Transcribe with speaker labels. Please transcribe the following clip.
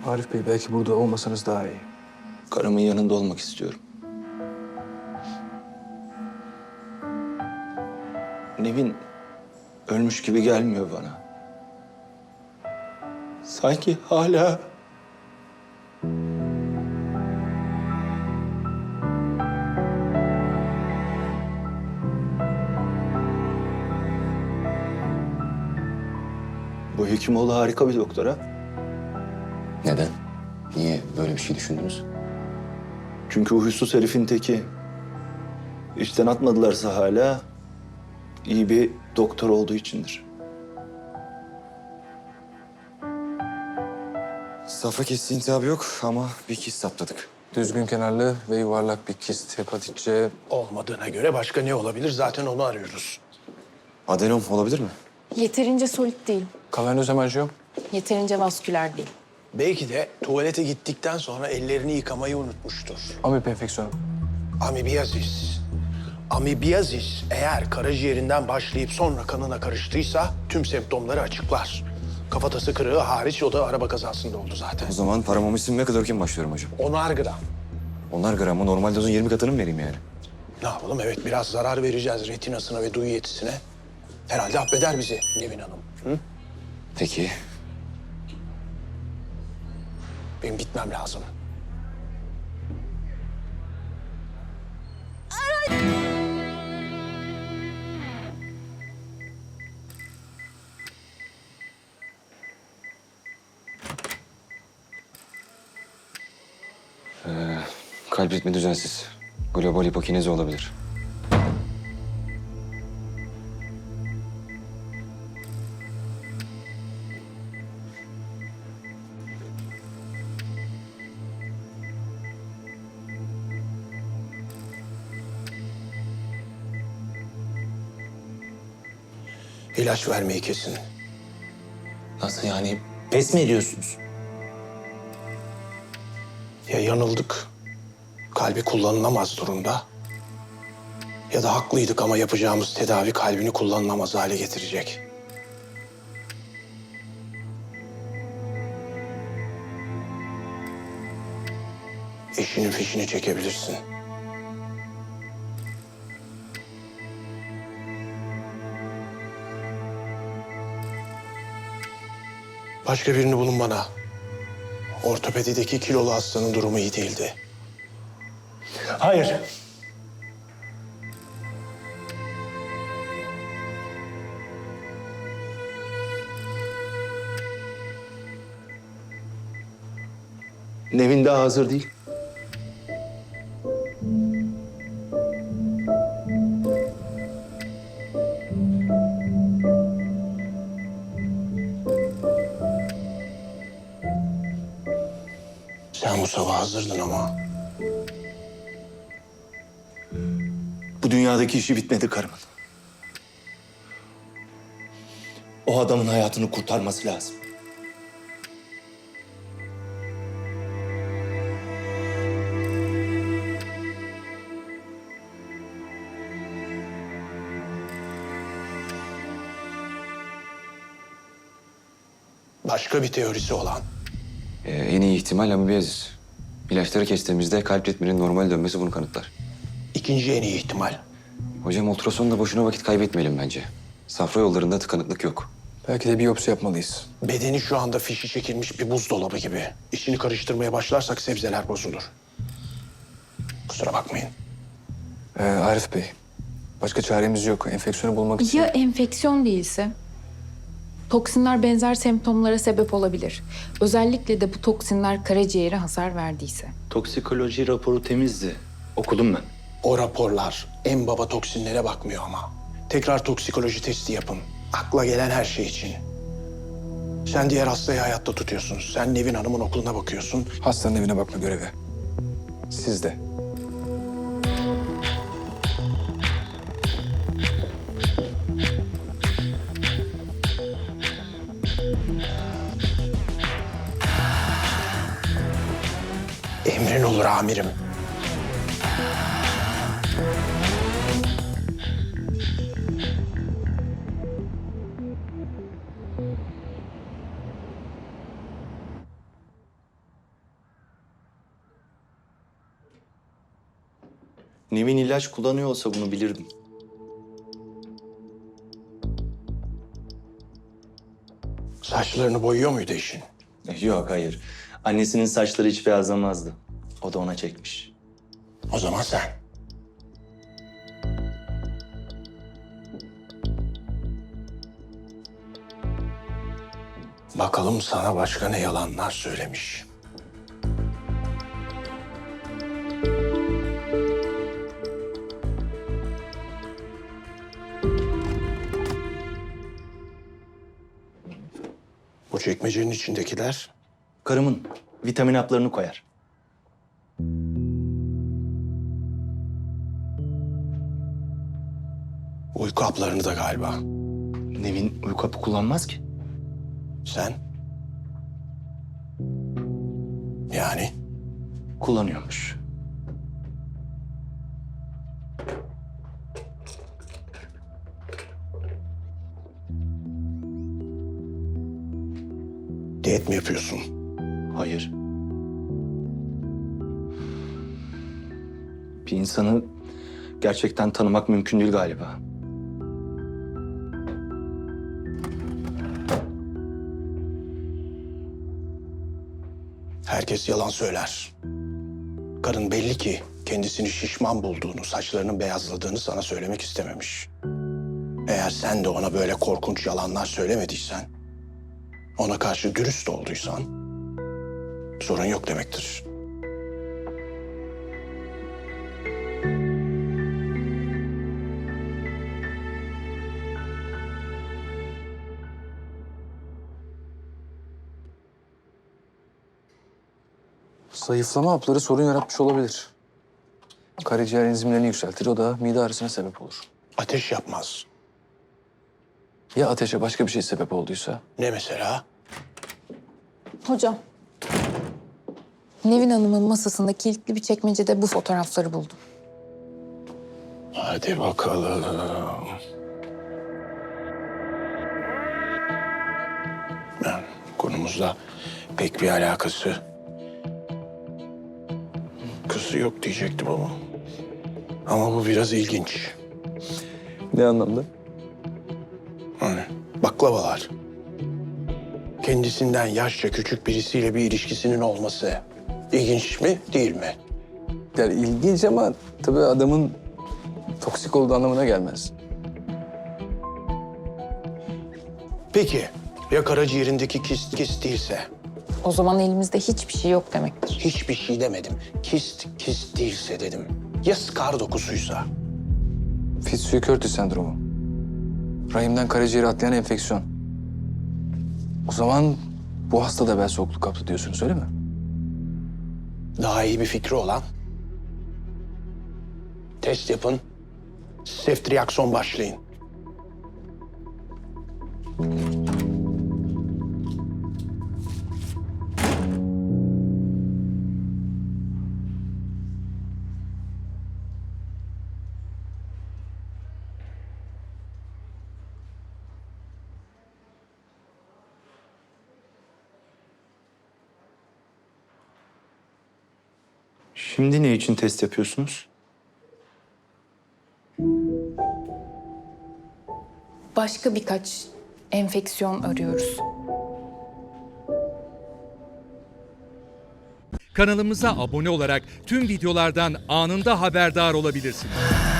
Speaker 1: Arif Bey, belki burada olmasanız daha iyi.
Speaker 2: Karımın yanında olmak istiyorum. Nevin ölmüş gibi gelmiyor bana. Sanki hala... Bu Hekimoğlu harika bir doktor ha.
Speaker 3: Neden? Niye böyle bir şey düşündünüz?
Speaker 2: Çünkü huysuz herifin teki. İşten atmadılarsa hala iyi bir doktor olduğu içindir.
Speaker 3: Safra kesici iltihabı yok ama bir kist saptadık.
Speaker 1: Düzgün kenarlı ve yuvarlak bir kist, hepatit C.
Speaker 4: Olmadığına göre başka ne olabilir? Zaten onu arıyoruz.
Speaker 3: Adenom olabilir mi?
Speaker 5: Yeterince solit değil.
Speaker 1: Kavernoz hemanjiyom.
Speaker 5: Yeterince vasküler değil.
Speaker 4: Belki de tuvalete gittikten sonra ellerini yıkamayı unutmuştur.
Speaker 1: Amip enfeksiyonu.
Speaker 4: Amibiyazis. Amibiyazis eğer karaciğerinden başlayıp sonra kanına karıştıysa tüm semptomları açıklar. Kafatası kırığı hariç, o da araba kazasında oldu zaten.
Speaker 3: O zaman paramomisin ve klorokin başlıyorum hocam.
Speaker 4: 10'ar gram.
Speaker 3: 10'ar gram mı? Normal dozun 20 katını mı vereyim yani?
Speaker 4: Ne yapalım? Evet, biraz zarar vereceğiz retinasına ve duyu yetisine. Herhalde affeder bizi Nevin Hanım. Hı?
Speaker 3: Peki.
Speaker 4: Benim gitmem lazım.
Speaker 3: Kalp ritmi düzensiz. Global hipokinezi olabilir.
Speaker 4: İlaç vermeyi kesin.
Speaker 2: Nasıl yani? Pes mi ediyorsunuz?
Speaker 4: Ya yanıldık, kalbi kullanılamaz durumda. Ya da haklıydık ama yapacağımız tedavi kalbini kullanılamaz hale getirecek. Eşinin fişini çekebilirsin. Başka birini bulun bana. Ortopedideki kilolu hastanın durumu iyi değildi.
Speaker 2: Hayır. Nevin daha hazır değil.
Speaker 4: Sen bu sabah hazırdın ama.
Speaker 2: Bu dünyadaki işi bitmedi karımın. O adamın hayatını kurtarması lazım.
Speaker 4: Başka bir teorisi olan.
Speaker 3: En iyi ihtimal amibiyazis. İlaçları kestiğimizde kalp ritminin normal dönmesi bunu kanıtlar.
Speaker 4: İkinci en iyi ihtimal.
Speaker 3: Hocam ultrasonda boşuna vakit kaybetmeyelim bence. Safra yollarında tıkanıklık yok.
Speaker 1: Belki de biyopsi yapmalıyız.
Speaker 4: Bedeni şu anda fişi çekilmiş bir buzdolabı gibi. İşini karıştırmaya başlarsak sebzeler bozulur. Kusura bakmayın.
Speaker 1: Arif Bey, başka çaremiz yok. Enfeksiyonu bulmak için...
Speaker 5: Ya enfeksiyon değilse? Toksinler benzer semptomlara sebep olabilir. Özellikle de bu toksinler karaciğere hasar verdiyse.
Speaker 2: Toksikoloji raporu temizdi. Okudum ben.
Speaker 4: O raporlar en baba toksinlere bakmıyor ama. Tekrar toksikoloji testi yapın. Akla gelen her şey için. Sen diğer hastayı hayatta tutuyorsun. Sen Nevin Hanım'ın okuluna bakıyorsun.
Speaker 1: Hastanın evine bakma görevi. Siz de.
Speaker 4: Emrin olur amirim.
Speaker 2: Nevin ilaç kullanıyor olsa bunu bilirdim.
Speaker 4: Saçlarını boyuyor muydu eşin?
Speaker 2: Yok, hayır. Annesinin saçları hiç beyazlamazdı. O da ona çekmiş.
Speaker 4: O zaman sen. Bakalım sana başka ne yalanlar söylemiş. Bu çekmecenin içindekiler
Speaker 2: Karımın vitamin haplarını koyar.
Speaker 4: uyku haplarını da galiba.
Speaker 2: Nevin uyku hapı kullanmaz ki.
Speaker 4: Sen? Yani?
Speaker 2: Kullanıyormuş.
Speaker 4: Diyet mi yapıyorsun?
Speaker 2: Hayır. Bir insanı gerçekten tanımak mümkün değil galiba.
Speaker 4: Herkes yalan söyler. Karın belli ki kendisini şişman bulduğunu, saçlarının beyazladığını sana söylemek istememiş. Eğer sen de ona böyle korkunç yalanlar söylemediysen, ona karşı dürüst olduysan, sorun yok demektir.
Speaker 1: Zayıflama hapları sorun yaratmış olabilir. Karaciğer enzimlerini yükseltir, o da mide ağrısına sebep olur.
Speaker 4: Ateş yapmaz.
Speaker 1: Ya ateşe başka bir şey sebep olduysa?
Speaker 4: Ne mesela?
Speaker 5: Hocam. Nevin Hanım'ın masasında kilitli bir çekmecede bu fotoğrafları buldum.
Speaker 4: Hadi bakalım. Yani konumuzla pek bir alakası. Kızı yok diyecektim ama. Ama bu biraz ilginç.
Speaker 1: Ne anlamda?
Speaker 4: Hani baklavalar. Kendisinden yaşça küçük birisiyle bir ilişkisinin olması ilginç mi, değil mi?
Speaker 1: Yani ilginç ama tabii adamın toksik olduğu anlamına gelmez.
Speaker 4: Peki ya karaciğerindeki kist değilse?
Speaker 5: O zaman elimizde hiçbir şey yok demektir.
Speaker 4: Hiçbir şey demedim. Kist değilse dedim. Ya skar dokusuysa?
Speaker 1: Fitzhugh-Curtis sendromu. Rahimden karaciğere atlayan enfeksiyon. O zaman bu hasta da bel soğukluk kaptı diyorsunuz, öyle mi?
Speaker 4: Daha iyi bir fikri olan? Test yapın. Seftriakson başlayın.
Speaker 2: Şimdi ne için test yapıyorsunuz?
Speaker 5: Başka birkaç enfeksiyon arıyoruz.
Speaker 6: Kanalımıza abone olarak tüm videolardan anında haberdar olabilirsiniz.